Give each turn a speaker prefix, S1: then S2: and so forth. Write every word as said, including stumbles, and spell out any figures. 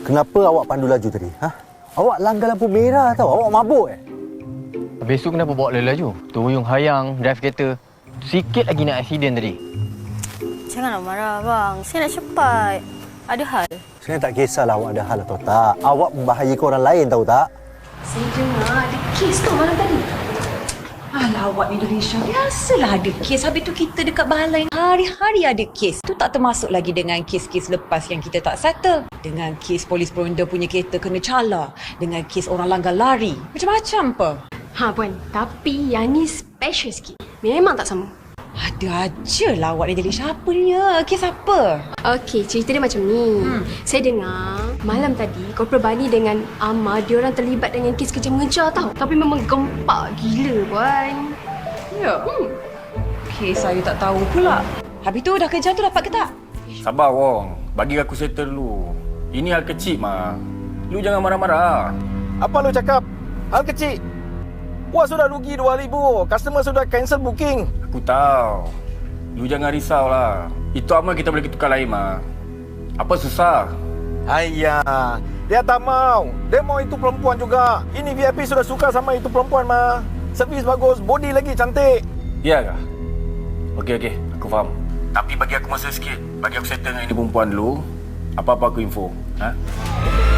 S1: Kenapa awak pandu laju tadi? Ha? Awak langgar lampu merah tau. Awak mabuk eh?
S2: Habis tu kenapa bawa laju? Tuyung hayang, drive kereta. Sikit lagi nak accident tadi.
S3: Janganlah marah, bang. Saya nak cepat. Ada hal.
S1: Saya tak kisahlah awak ada hal atau tak. Awak membahayakan orang lain tahu tak?
S3: Saya dengar ada kes tu malam tadi.
S4: Alah, awak Indonesia biasalah ada kes. Habis tu kita dekat balai hari-hari ada kes. Tu tak termasuk lagi dengan kes-kes lepas yang kita tak settle. Dengan kes polis peronda punya kereta kena cala. Dengan kes orang langgar lari. Macam-macam apa.
S5: Ha puan, tapi yang ni special sikit. Memang tak sama.
S4: Ada aja lah awak ni jadi siapa ni ya? Kes apa?
S5: Okey, cerita dia macam ni. Hmm. Saya dengar malam tadi Korporal Bani dengan Amar diorang terlibat dengan kes kerja mengejar tau. Tapi memang gempak gila puan.
S4: Ya? Hmm. Kes saya tak tahu pula. Habis tu dah kerja tu dapat ke tak?
S6: Sabar Wong, bagi aku settle dulu. Ini hal kecil mah. Lu jangan marah-marah.
S7: Apa lu cakap? Hal kecil. Puas sudah rugi dua ribu. Customer sudah cancel booking.
S6: Aku tahu. Lu jangan risau lah. Itu amal kita boleh tukar lain mah. Apa susah?
S7: Ayah, dia tak mau. Dia mau itu perempuan juga. Ini V I P sudah suka sama itu perempuan mah. Servis bagus, body lagi cantik.
S6: Ya kah? Okey okey, aku faham. Tapi bagi aku masa sikit. Bagi aku settle dengan ini perempuan dulu. Apa-apa aku info. Ha?